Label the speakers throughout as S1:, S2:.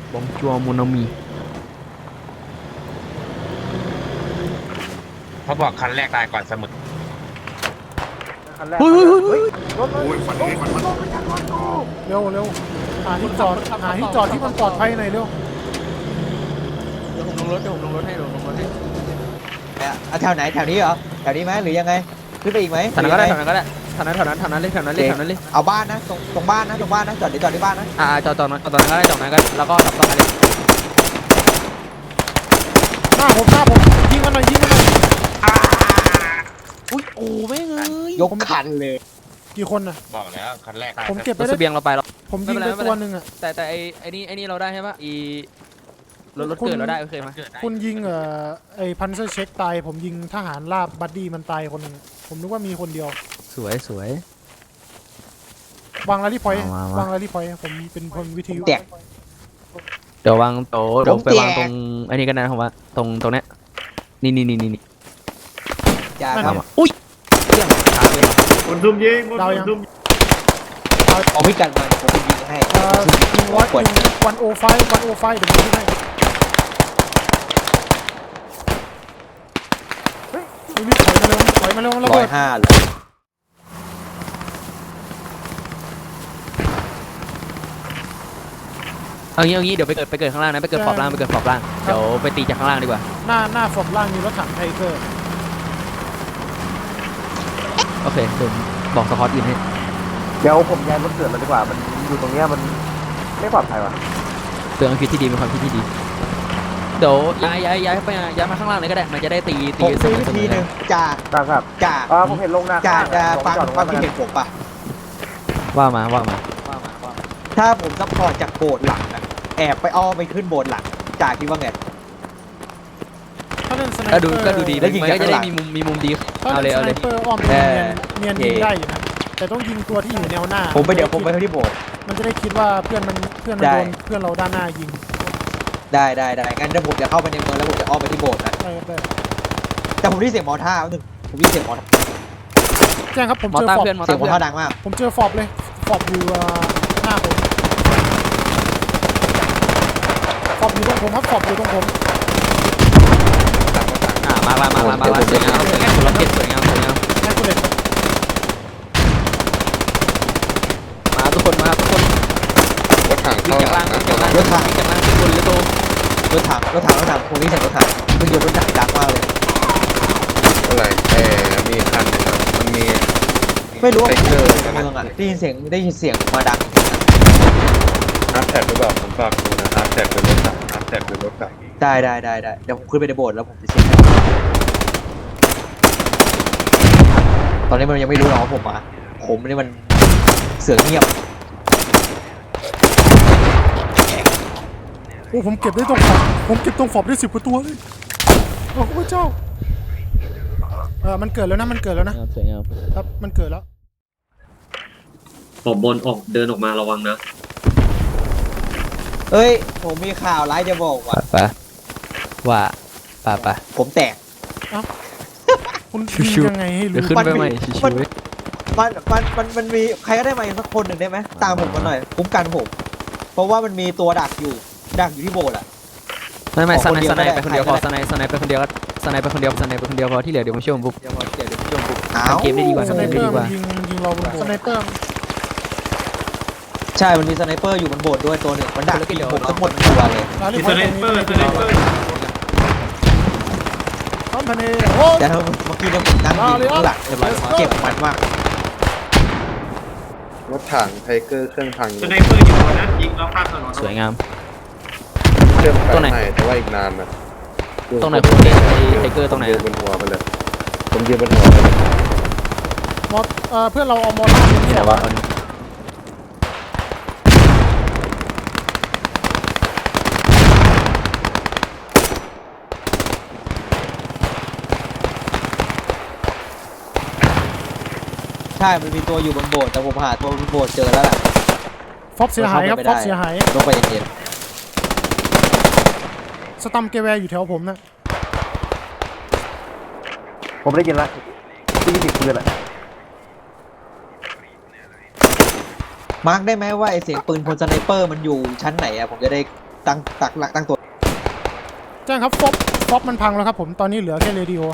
S1: บองจัวโมโนมี
S2: เขาบอกคันแรกตายก่อนเสมอ
S3: คันแรก
S1: เฮ้ยเฮ้ย
S3: รถเลย
S4: โอ้ยฝันดีฝันมัน
S3: เร็วเร็วหาที่จอดที่มันปลอดภัยหน่อยเร็ว
S1: เดี๋ยวผมลงรถให้
S5: เอาแถวไหนแถวนี้เหรอแถวนี้ไหมหรือยังไงขึ้นไปอีกไหม
S1: แถวนั้นก็ได้แถวนั้นเลยแถวนั้นเลย
S5: เอาบ้านนะตรงบ้านนะจอดที่บ้านนะ
S1: จอดนั้นก็ได้จอดนั้นก็แล้วก็ดับตรงนั้นเลย
S3: หน้าผมยิงมันหน่อย
S1: อุ้ยโอ้แม่งเอ้ย
S5: ยกคันเลย
S3: กี่คนน่ะ
S2: บอกแล้วคันแรกตาย
S3: ผมเก็บไป
S1: รถ
S3: ได้
S1: เสบียงเราไปแล้ว
S3: ผมยิงไปตัวหนึ่งอ่ะ
S1: แต่ไอ้นี่เราได้ใช่ปะรถเกิดเราได้โอเคไหม
S3: คุณยิงไอ้พันเซอร์เช็คตายผมยิงทหารราบบัดดี้มันตายคนหนึงอะผมนึกว่ามีคนเดียว
S1: สวย
S3: วางลารี่พอยต์
S1: มา
S3: วางลารี่พอยต์ผมเป็นคนวิทยุ
S5: แตก
S1: เดี๋ยววางโต๊ะเดี๋ยวไปวาง
S5: ผมแจก
S1: ตรงไอ้นี่กันนะผมว่าตรงเนี้ยนี่
S5: จ้า
S3: นั่น
S5: ครับ
S3: ไง
S1: อุ้ยเรื่องขาเลย
S4: คนซุ่มยิงคน
S3: ดาวยัง
S4: ซุ่ม
S5: เอาพิกัดมาผมยิงให้
S3: ยิงวันโอไฟเดี๋ยวผมยิงให้เฮ้ยรีบถอยมาเร็วระ
S5: ร้อ
S3: เบิ
S5: ย
S3: ด
S5: ห้าเลย
S1: เอางี้เดี๋ยวไปเกิดข้างล่างนะไปเกิดขอบล่างเดี๋ยวไปตีจากข้างล่างดีกว่า
S3: หน้าฝบล่างมีรถถังไทเกอร์
S1: โอเคเดี๋ยวบอกสกอตอินให้
S6: เดี๋ยวผมย้ายรถเกิดแล้วดีกว่า มันอยู่ตรงเนี้ยมันไม่ปลอดภัยว่ะ
S1: เตือนความคิดที่ดีเป็นความคิดที่ดีเดี๋ยวย้ายไปย้ายมาข้างล่างเลยก็ได้มันจะได้ตี
S5: ผมซื้อ
S1: เส
S5: วิ
S1: ม
S5: ธี
S1: อ
S5: หนึ่งจ่า
S6: ครับ
S5: จ่า
S6: ผมเห็นลงหน้า
S5: จ่า
S6: ข้าง
S5: จะ
S6: ผม
S5: ฟัง
S6: จอดตรง
S5: ความ
S6: นั้น
S5: คิดเห็นผมป่ะ
S1: ว่ามา
S5: ถ้าผมซัพพอร์ตจากโบสถ์หลังอะแอบไปอ้อมไปขึ้นโบสถ์หลังจ่าคิดว่าไง
S3: ถ้าเล่นสไนเป
S1: ก็
S3: อร์
S1: ดูดี
S5: แล้วยิง
S1: มัน
S5: จาก
S1: ก็จะได้
S5: ข้างหลัง
S1: มีมุมดี
S3: ถ้า
S1: เอาเล
S3: เล่
S1: ย
S3: นสไนเปอร์อ้อมเนียนยิงได้อยู่นะแต่ต้องยิงตัวที่อยู่แนวหน้า
S5: ผมไปที่โบสถ์
S3: มันจะได้คิดว่าเพื่อนมัน
S5: ได้
S3: โดนเพื่อนเราด้านหน้ายิง
S5: ได้งั้นเดี๋ยวผมจะเข้าไปในเมืองแล้วผมจะอ้อมไปที่โบสถ์นะ
S3: ได้ครับได้
S5: แต่ผมได้ยินเสียงมอท่าหนึ่งผมได้ยินเสียงมอท่า
S3: แจ้งครับผม
S1: มอ
S3: เจอ
S1: ต้า
S3: ฟอบ
S1: เพื่อนมอ
S5: เสีย
S1: ต้าง
S5: มอ
S1: เพื่อน
S5: ท่าดังมาก
S3: ผมเจอฟอบเลยฟอบอยู่หน้าผมฟอบอยู่ตรงผมครับฟอบอยู่ตรงผม
S1: มาสวยงามคนละเก็บสวยงาม
S3: แม่คุณเด็ก
S1: มาทุกคนรถถัง
S4: รถถัง
S1: วิ่
S4: เข้าง
S1: จาก
S4: หลั
S1: ล่าง
S4: งนะ
S1: วิ่งจากล่างวิ่งจากล่างขึ้นบนเลยโต
S5: รถถังผมได้ยินเสียงรถถังมันอยู่รถถังดังมากเลย
S4: อะไรมีคันหนึงอะมันมี
S5: ไม่รู้ว่า
S4: ไทเกอร์
S5: ในเมืองอ่ะได้ยินเสียงมาดัง
S4: ฮาร์ดแท็กหรือเปล่าผมฝากดูนะฮาร์ดแท็กเป็นรถถังฮาร์ดแท็กเป็นรถถัง
S5: ได้เดี๋ยวผมขึ้นไปในโบสถ์แล้วผมจะเช็คให้ตอนนี้มันยังไม่รู้หรอกว่าผมมาผมนี่มันเสือเงียบ
S3: โอ้ผมเก็บได้ตรงฟอบผมเก็บตรงฟอบได้10 กว่าตัวเลยโอ้พระเจ้ามันเกิดแล้วนะ
S1: สวยงาม
S3: ครับมันเกิดแล้ว
S7: ขอบบนออกเดินออกมาระวังนะ
S5: เอ้ยผมมีข่าวร้ายจะบอกว่ะ
S1: ไป
S5: ผมแตก
S3: คุณ
S1: ชิวๆ
S3: ยิงยังไงให้
S1: เดี๋ยว
S3: รู้
S1: ขึ้นไปใหม่ชิว
S5: มันมีใครก็ได้มาอีกสักคนหนึ่งได้ไหมตามผมมาหน่อยคุ้มกันผม เพราะว่ามันมีตัวดักอยู่ที่โบสถ์อ่ะ
S1: ไม่สไน
S5: ขอคนเดียว
S1: ไปคนเดียวพอ
S5: ได้
S1: สไนไปคนเดียวพอที่เหลือเดี๋ยวมาช่วยผมปุ๊บ
S5: อ้าว
S1: เกมได้ดีกว่า
S3: สไนเปอร์มันยิงเราบนโบสถ์สไนเปอร์
S5: ใช่มันมีสไนเปอร์อยู่บนโบสถ์ด้วยตัวหนึ่งมันดักยิงผมทั้งหมดตัวเลย
S3: ร้านนี้
S4: มีสไนเปอร์
S3: พร้อมทะเลโอ้
S5: แต่ถ้าเมื่อกี้เนี่ยผมนั่งยิงข้างหลังเก็บมันมาก
S4: รถถังไทเกอร์เครื่องพัง
S7: สไนเปอร์อยู่บนนั้นยิงแล้วข้ามถนน
S1: สวยงาม
S4: เครื่อง
S1: ตรงไหน
S4: ไหนแต่ว่าอีกนานนะ
S1: ตรงไหนคุณเล่นไทเกอร์ตรงไหน
S4: ผมยืนบนหัวไปเลยผมยืนบนหัวไปเลย
S3: มอเพื่อนเราเอามอล่าที่ไหนวะ
S5: ใช่มันมีตัวอยู่บนโบสถ์แต่ผมหาตัวบนโบสถ์เจอแล้วแหละ
S3: ฟอบเสียหายครับฟอบเสียหาย
S5: ลงไปเย็น
S3: สตัมเกแวร์อยู่แถวผมนะ
S6: ผมได้ยินละที่20ปืนละ
S5: ๆมาร์กได้ไหมว่าไอเสียงปืนพลสไนเปอร์มันอยู่ชั้นไหนอะผมจะได้ตั้งตัว
S3: แจ้งครับฟอบมันพังแล้วครับผมตอนนี้เหลือแค่เรดิโอ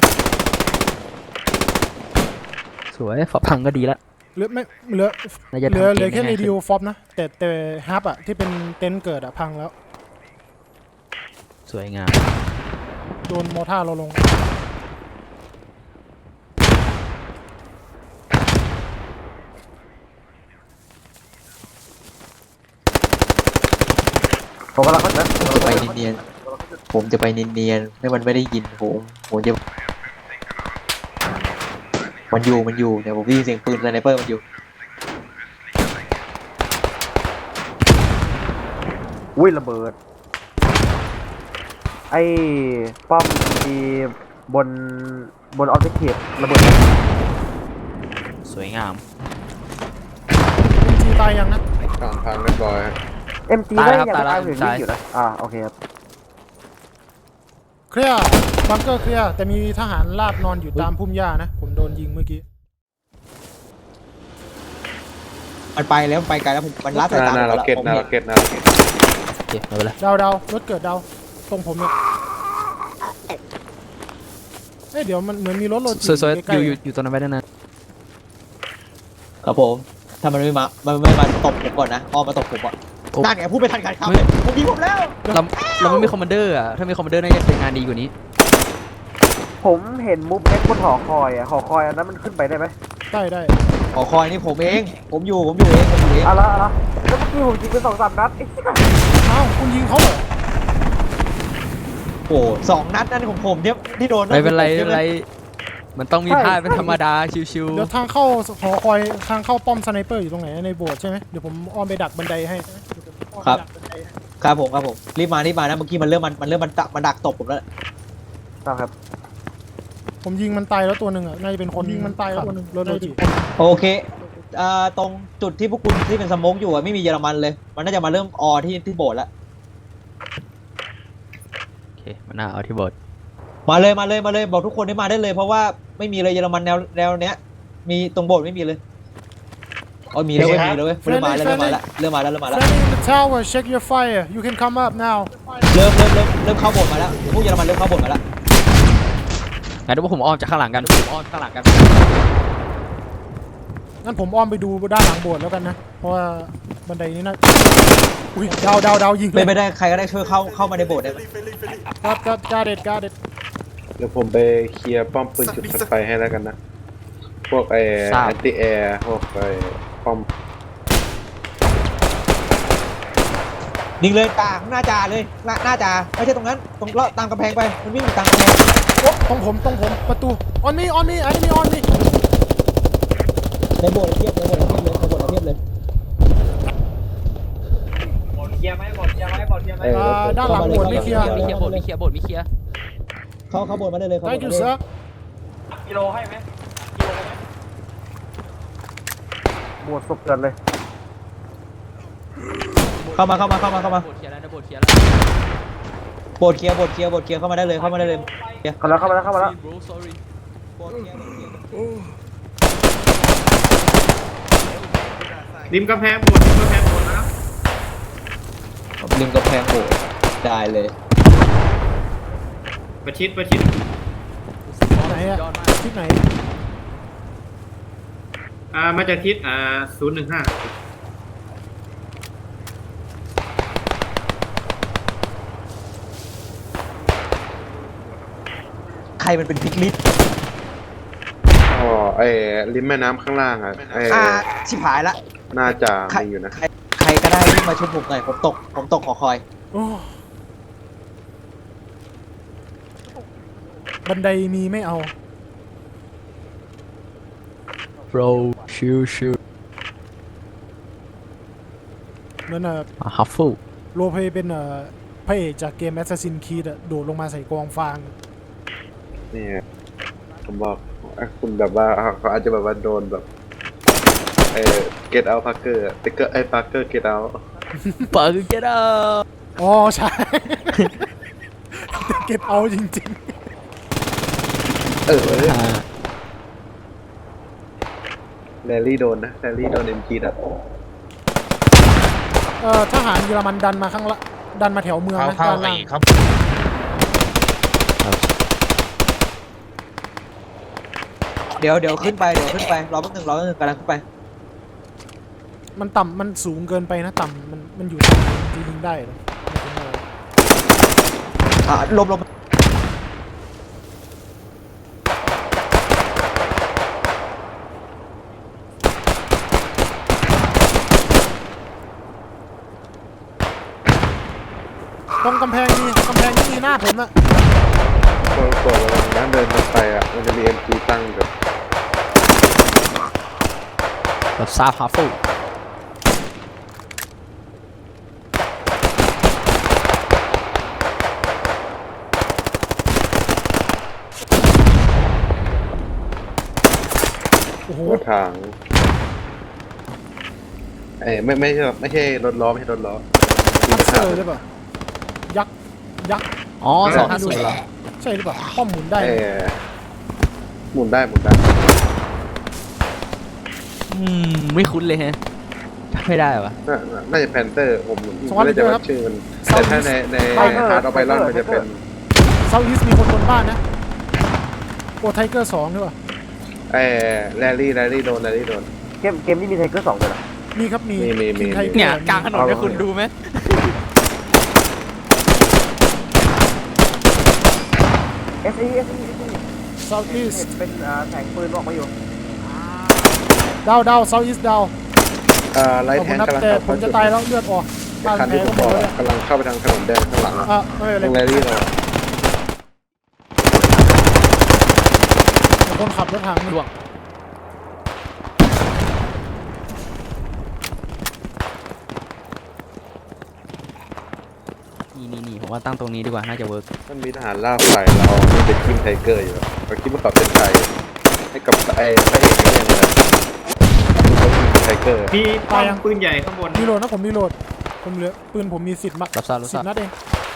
S1: สวยฝาพังก็ดีละ
S3: เหลือไม่เหลือ
S1: น่าจะ
S3: เหลือ
S1: ทำเกม
S3: แค่
S1: ได้
S3: เร
S1: ง่าย
S3: ดิ
S1: ขึ้
S3: โอน ฟอบนะแต่ฮับอะที่เป็นเต็นท์เกิดอะพังแล้ว
S1: สวยงาม
S3: โดนมอท่าเราลง
S6: ผมกำลังเข้าใจ
S5: จะไปเนียนๆผมจะไปเนียนๆให้มันไม่ได้ยินผมจะมันอยู่เนี่ยผมได้ยินเสียงปืนสไนเปอร์มันอยู่
S6: อุ้ยระเบิดไอ้ป้อมที่บนออบเจกตีฟระเบิด
S1: สวยงาม
S3: MG ตายยังนะ
S4: ฝั่งพังเรียบร้อย
S6: MG ได้ยังตายอยู่นี่อยู่นะโอเคครับ
S3: เคลียร์บังเกอร์เคลียร์แต่มีทหารลาบนอนอยู่ตามพุ่มหญ้านะผมโดนยิงเมื่อกี้
S5: มันไปแล้วมันไปไกลแล้วมันลัดสายตา
S4: หน้า
S5: ผม
S4: เรา
S5: แล้ว
S4: เก็ต
S5: ผม
S4: หน้า
S5: เห็
S4: เรา
S5: น
S4: เก็ตหน้าเราเก็ต
S1: โอเคไม่เป็นไร
S3: ดาวรถเกิดดาวตรงผมเนี่ยเดี๋ยวมันเหมือนมีรถโรจิ
S1: สวยๆ
S3: ใกล้
S1: อยู่ตรงนั้นไปได้นะ
S5: ครับผมถ้ามันไม่มาตบผมก่อนนะอ้อมมาตบผมอ่ะนั่นไงพูดไม่ทันการคำเลยผมยิงผมแล้ว
S1: เราไม่มีคอมมานเดอร์อ่ะถ้ามีคอมมานเดอร์น่าจะเป็นงานดีกว่านี้
S6: ผมเห็นมุฟเอ็กบนหอคอยหอคอยอันนั้นมันขึ้นไปได้ไหม
S3: ได้
S5: ขอคอยนี่ผมเองผมอยู่เอง
S6: เอาละแล้วเมื่อกี้ผมยิงไป2-3 นัด
S3: อ้าวคุณยิงเขาเหรอ
S5: โอ้2 นัดนั่นของผมเนี่ยที่โดน
S1: ไม่เป็นไรไม่เป็นไรมันต้องมีพลาดเป็นธรรมดาชิว
S3: เดี๋ยวทางเข้าหอคอยทางเข้าป้อมสไนเปอร์อยู่ตรงไหนในโบสถ์ใช่ไหมเดี๋ยวผมอ้อมไปดักบันไดให้
S5: ครับผมรีบมานะเมื่อกี้มันเริ่มมันดักตบผมแล้ว
S6: ครับ
S3: ผมยิงมันตายแล้วตัวหนึ่งอ่ะน่าจะเป็นคนยิงมันตายแล้วตัวหนึ่งรถโรจิ
S5: โอเคตรงจุดที่พวกคุณที่เป็นสโมกอยู่ไม่มีเยอรมันเลยมันน่าจะมาเริ่มที่โบสถ์แล้ว
S1: ๆโอเคมันน่าเอาที่บท
S5: มาเลยบอกทุกคนให้มาได้เลยเพราะว่าไม่มีเลยเยอรมันแนวเนี้ยมีตรงโบสถ์ไม่มีเลยอ๋อมีแล้วเว้ยเริ่มมาแล้ว
S3: Friendly in the tower check your fire you can come up now
S5: เริ่มเข้าโบสถ์มาแล้วพวกเยอรมันเริ่มเข้าโบสถ์มาแล้ว
S1: งั้นเดี๋ยวผมอ้อมจากข้างหลังกัน
S3: งั้นผมอ้อมไปดูด้านหลังโบสถ์แล้วกันนะเพราะว่าบันไดนี้น่าอุ้ยดาวยิง
S5: เป็นไปได้ใครก็ได้ช่วยเข้ามาในโบสถ์ได้ไหม
S3: กาเด็ด
S4: เดี๋ยวผมไปเคลียร์ป้อมปืนจุดถัดไปให้แล้วกันนะพวกแอนตี้แอร์พวกป้อม
S5: ยิงเลยตาหน้าจ่าเลยหน้าจ่าไม่ใช่ตรงนั้นตรงเลาะตามกำแพงไปมันวิ่งตามกำแพง
S3: ตรงผมประตู on me enemy on me
S5: ในโบสถ์เทียบเลย
S3: ด้านหลังโบสถ์ไม่เคลียร์
S1: มีเคลียร์บทมีเคลียร์
S5: เข้าโบสถ์มาได้เลย
S3: thank you sir
S6: บวชศพเกินเลย
S5: เข้ามา
S1: บทเคลียร์แล้วนะบทเคลียร์แล้ว
S5: โบสถ์เคลียร์เข้ามาได้เลย
S6: เข้ามาแล้ว
S1: bro sorry
S7: ริมกำแพงหมดนะ
S5: ริมกำแพงโบสถ์ได้เลย
S7: ประชิด
S3: ไหนอะทิศไหน
S7: มาจากทิศ015
S5: ใครมันเป็นพิกลิส
S4: อ๋อริมแม่น้ำข้างล่าง
S5: ชิบหายละ
S4: น่าจะมีอยู่นะ
S5: ใครก็ได้ที่มาช่วยผมหน่อยผมตกขอคอย
S3: โอ้บันไดมีไม่เอา
S1: broชิว
S3: นั่นน่ะ
S1: ฮัฟฟู
S3: โรลเพลย์เป็นพระเอกจากเกม Assassin's Creed อะโดดลงมาใส่กองฟาง
S4: นี่ผมบอกคุณแบบว่าเขาอาจจะแบบว่าโดนแบบget out Parker ติ๊กเกอร์Parker get out
S1: เปิดเกด้า
S3: อ๋อใช่ เก็บเอาจริง
S4: แรลลี่โดนนะแรลลี่โดน MG ดับ
S3: ๆทหารเยอรมันดันมาข้างละดันมาแถวเมือง
S2: เขา
S3: นะ
S2: เข้า
S3: ด้าน
S2: ไอ้
S3: ล่าง
S2: เขา
S5: เดี๋ยวขึ้นไปรอแป๊บนึงกำลังขึ้นไป
S3: มันต่ำมันสูงเกินไปนะต่ำมันอยู่ต่ำจะยิงได้เหรอไม่เป็นไร
S5: ลม
S3: ตรงกำแพงนี่มีหน้าผมอะ
S4: ตัวนั้นเดินไปอ่ะมันจะมี MG ตั้งแบบ
S1: รับทราบครับฟู
S3: โอ้โห
S4: รถถังไม่ใช่รถล้อไม่ใช่รถล้อ
S3: ทักเซอร์ใช่ปะยักษ์
S1: อ๋อ250เหรอ
S3: ใช่หรือเปล่าป้อมหมุนได้
S4: หมุนได้
S1: ไม่คุ้นเลยฮะจำไม่ได้วะ
S4: น่าจะแพนเตอร์ผมไม่ได้จะว่าชื่อมันแต่ถ้าในฮาร์ดออฟไบรอนมันจะเป็น
S3: เซาท์อีสมีคนบนบ้านนะโอ้ไทเกอร์2ด้วยป่ะ
S4: แรลลี่โดน
S6: เกมนี้มีไทเกอร์2ด้วยนะ
S3: มีครับมี
S4: มี
S3: ทีไทเกอร์
S1: เนี่ยกลางถนนเนี่ยคุณดูไหม
S6: SE
S3: เซาท์อีส
S6: เป็นแสงปืนออกมาอยู่
S3: ดาวเซาท์อีสดาว
S4: ไลท์แทงกำลัง
S3: แต่ผมจะตายแล้วเลือดออกบ้าน
S4: คัน
S3: แพ้
S4: ที่ผ
S3: ก็
S4: ม
S3: หม
S4: บอ
S3: ด
S4: ก
S3: แล้ว
S4: กำลังเข้าไปทางถนนแดงข้างหลัง
S3: ไม่เป็น
S4: ตรง
S3: ไร
S4: แรลลี่เรา
S3: คนขับรถถังนี่
S1: ล่วงนี่ผมว่าตั้งตรงนี้ดีกว่าน่าจะเวิร์ก
S4: มันมีทหารล่าฝ่ายเราเป็นทีมไทเกอร์อยู่เราคิดว่าเขาเป็นไทยให้กับพระเอกนี่เลยไทเกอร์
S8: มีป้อมปืนใหญ่ข้างบน
S3: มีโหลดนะผมมีโหลดผมเหลือปืนผมมี10
S1: รับทราบ
S3: 10 นัดเอง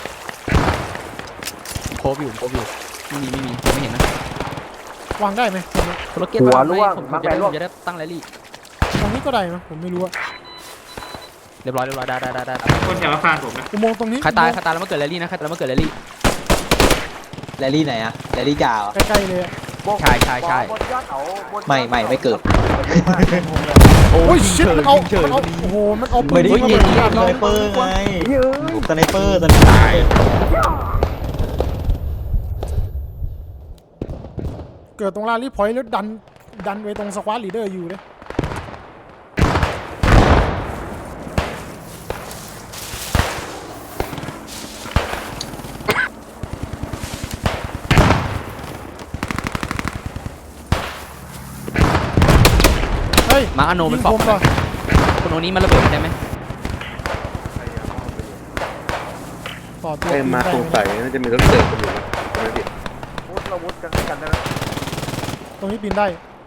S1: โคบอยู่ไม่มีไม่เห็นนะ
S3: วางได้ไหมตรงนี้
S1: โรเก็ตผมจะได้ตั้งแรลลี่
S3: ตรงนี้ก็ได้นะผมไม่รู้อะ
S1: เรียบร้อยได้
S8: คนแถวอาคารผมนะ
S3: อุโมงค์ตรงนี้
S1: ใครตายแล้วมาเกิดแรลลี่นะใครตายแล้วมาเกิดแรลลี่
S5: แรลลี่ไหนอะแรลลี่จ่า
S3: ใกล้ๆเลยอะ
S1: ใช่
S6: บนยอดเขาบน
S5: ไม่เกิด
S3: โอ้ยชิตมันเอาโอ้โหมันเอาปืน
S5: ไม่ได้
S3: ยิง
S5: ยิง
S3: มา
S5: สไนเปอร์ไงสไนเปอร์
S2: ตาย
S3: เกิดตรงลารีพอยต์แล้วดันไปตรงสควอตลีดเดอร์อยู่เลยเฮ้ย
S1: มาร์คอโนมันฟอก
S3: ยิงผมก่อน
S1: คนโนนี้มันระเบิดได้ไหม
S3: ต่อตัว
S4: มาสงสัยน่าจะมีรถเติร์กันอยู่นะใช่ไหมพี่
S6: วุฒิกันได้ไหม
S3: ตรงนี้ปีนได้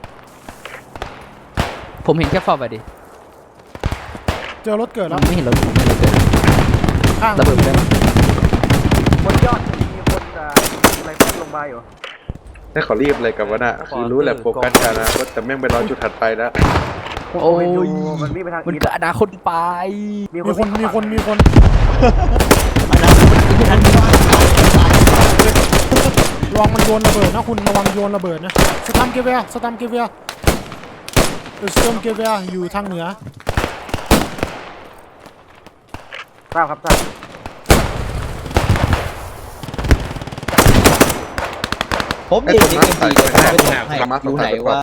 S1: ผมเห็นแค่ฟอกไปดิ
S3: เจอรถเกิดแล้ว
S1: ไม่เห็นรถเกิด
S3: ข้าง
S1: ระเบิดได้ไหม
S6: บนยอดมีคนอะไรพัดลงมาอยู่
S4: ถ้าเขารีบอะไรกับวะน่ะคือรู้แหละโฟกัสกันนะแต่แม่งไปรอจุดถัดไปแล้ว
S1: โอ้ย
S6: มันวิ่งไปทาง
S1: มัน
S6: อีส
S1: เกิดอนาคตไป
S3: มีคน ระวังมันโยนระเบิดนะคุณระวังโยนระเบิดนะสตัมเกเวียสตัมเกเวียอยู่ทางเหนือ
S6: ทราบครับทราบ
S5: ผมเองนี่เอ็มพีจะไม่ตกให้รู้ไหนว่า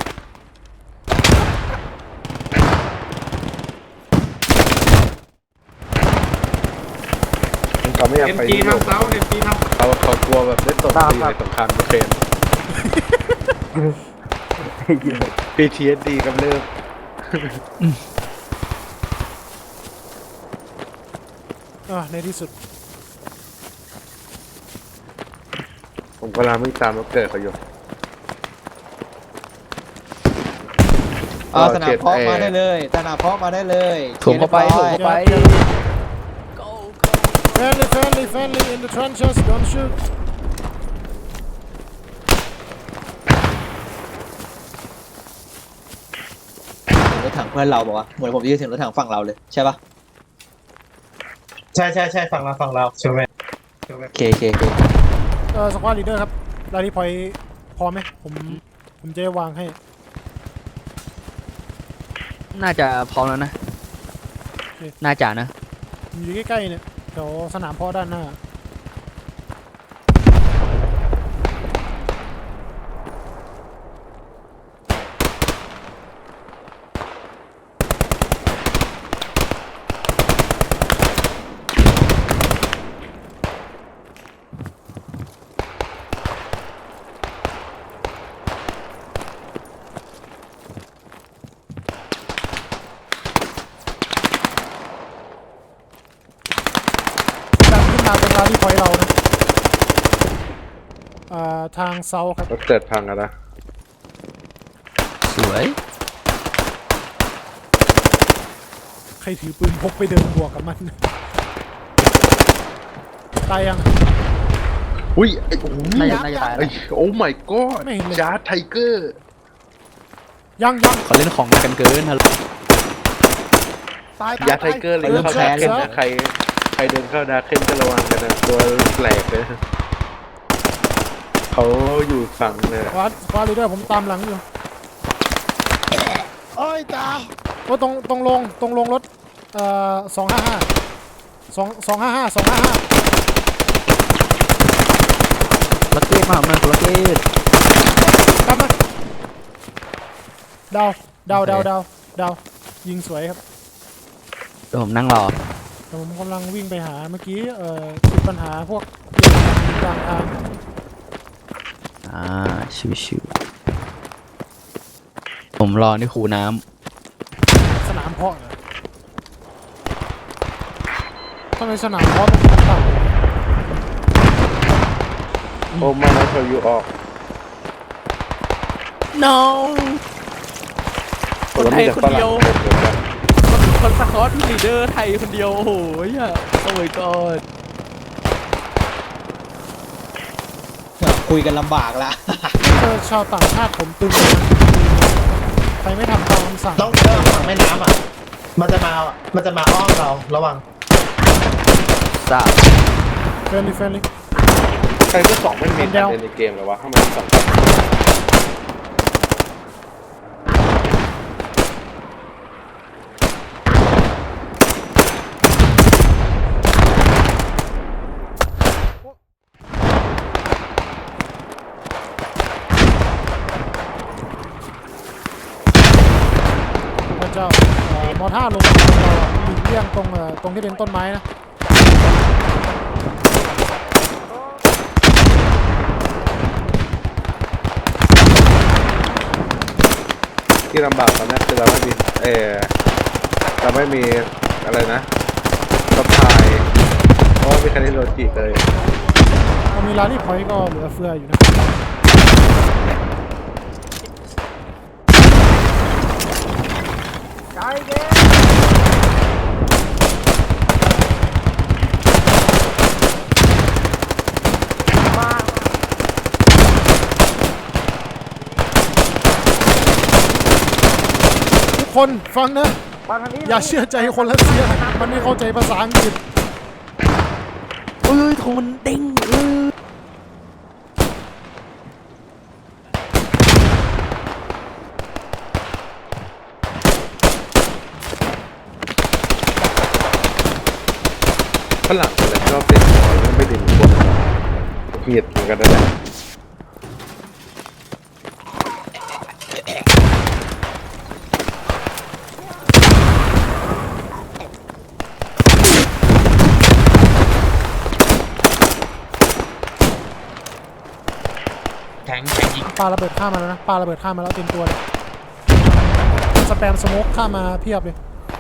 S4: เขาไม่อยาก
S8: เอ็ม
S4: ไป
S8: จีทางเซาเอ็มจีทาง
S4: เขากลัวแบบได้ตกตีในสงครามยูเครน PTSD กำเริบ
S3: ในที่สุด
S4: ผมกำลังวิ่งตามรถเกิดเขาอยู่
S5: สนามเพาะมาได้เลยสนามเพาะมาได้เลย
S1: ถ่วงเข้าไป
S3: friendly in the trenches don't shoot
S5: รถถังเพื่อนเราบอกว่าเหมือนผมยืนถึงรถถังฝั่งเราเลยใช่ปะ
S9: ใช่ฝั่งเราใช่ไหม
S1: โอเคโอเคโอเค
S3: สควอตลีดเดอร์ครับลารีพอยต์พอไหมผมจะได้วางให้
S1: น่าจะพร้อมแล้วนะ น่าจะนะ
S3: ผมอยู่ใกล้ๆเนี่ยแถวสนามเพาะด้านหน้า ดันขึ้นมาเป็นลารีพอยต์เรานะทางเซาครับ
S4: รถเกิดพังอะนะ
S1: สวย
S3: ใครถือปืนพกไปเดินบวกกับมัน ตายยัง
S4: อุ้ยไอ้โอ้โห
S1: น่าจะตาย
S4: ไอ้
S1: แล้ว
S4: โอ้ my god
S3: ไม่เห็นเลย
S4: จาร์ดไทเกอร์
S3: ยัง
S1: เขาเล่นของกันเกินฮัลโหล
S3: ตาย
S4: ยาร์ดไทเกอร์เลยเข้าดาร์เคนนะใครเดินเข้าดาร์เคนก็ระวังกันนะตัวแปลกเลยเขาอยู่ฝั่งเนี่ย
S3: สควอตลีดเดอร์ผมตามหลังอยู่โอ้ยตาว่าตรงลงรถ255
S1: ลักเก็ตมาลักเก็ต
S3: กลับมาดาวยิงสวยครับ
S1: เดี๋ยวผมนั่งรอ
S3: แต่ผมกำลังวิ่งไปหาเมื่อกี้ติดปัญหาพวกกลางทาง
S1: ชิวๆผมรอที่คูน้
S3: สนามเพาะเหรอทำไมสนามเพาะต้องต่ำ
S4: โอ้ไม่นะเขาอยู่ออก
S1: ำ no คนไทยคนเดียว คนสกอตลีดเดอร์ไทยคนเดียว โอ้โหโอ้ my god
S5: คุยกันลำบากละ
S3: ชาวต่างชาติผมตึงใครไม่ทำตามคำสั่ง
S9: ต้องเดินฝั่งแม่น้ำอ่ะมันจะมาอ้อมเราระวัง
S1: ทราบ
S3: เฟรนลี่
S4: ใครก็สองไม่มีคะแนนในเกมเลยวะทำไมสอง
S3: พระเจ้ามอท่าลงเราหลีกเลี่ยงตรงที่เป็นต้นไม้นะ
S4: ที่ลำบากตอนนี้คือเราไม่มีอะไรนะสะพายเพราะว่ามีคันนี้โลจิกเลย
S3: เรามีลารีพอยต์ก็เหลือเฟืออยู่นะทุกคนฟังนะ อย่าเชื่อใจคนรัสเซียมันไม่เข้าใจภาษาอังกฤษ
S1: เอ้ยของมันเด้ง
S4: ฝรั่งอะไรชอบเล่นของแล้วไม่ดึงคนเหียดเหมือนกันนั่นแหละ
S2: แทงยิง
S3: ปาระเบิดข้ามมาแล้วนะปาระเบิดข้ามมาแล้วเต็มตัวเลยสแปมสโมกข้ามมาเพียบเลย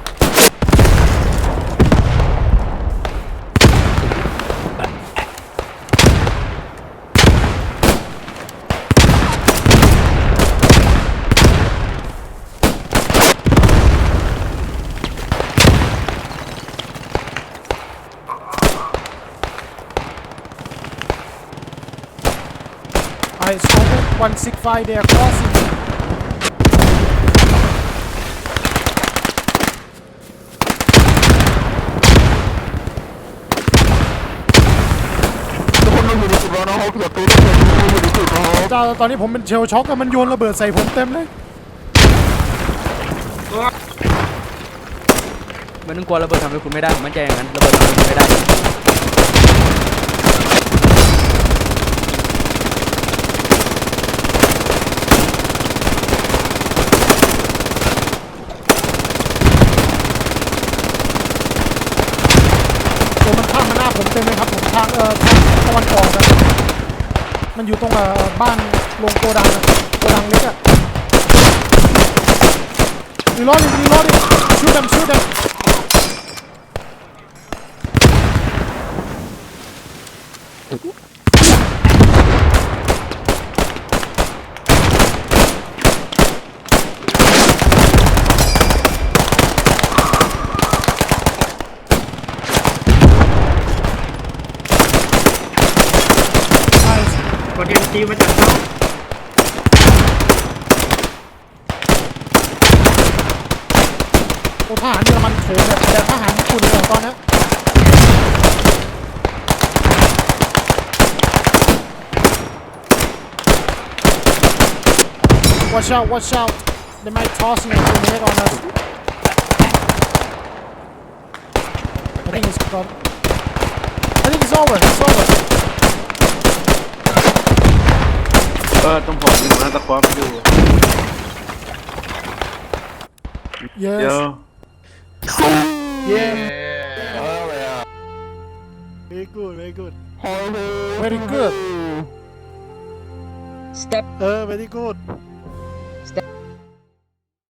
S3: I spotted 165 they are crossing. เจ้าตอนนี้ผมเป็นเชลช็อกอะมันโยนระเบิดใส่ผมเต็มเลย
S1: ไม่ต้องกลัวระเบิดทำให้คุณไม่ได้ผมมั่นใจอย่างนั้นระเบิดทำให้คุณไม่ได้
S3: ตัวมันข้ามมาหน้าผมเต็มเลยครับผมทางตะวันออกอะมันอยู่ตรงบ้านโรงโกดังอะโกดังเล็กอะรีโหลดดิชูดthem
S8: คนเอ็นซีมาจากเขา
S3: โอ้ทหารเยอรมันโถมแบบทหารญี่ปุ่นเลยตอนนี้ Watch out they might tossing a grenade on us I think it's gone I think it's over
S4: ต้องผมอยู่นะตะควบอยู่
S3: yes yeah very good very good
S5: step
S3: very good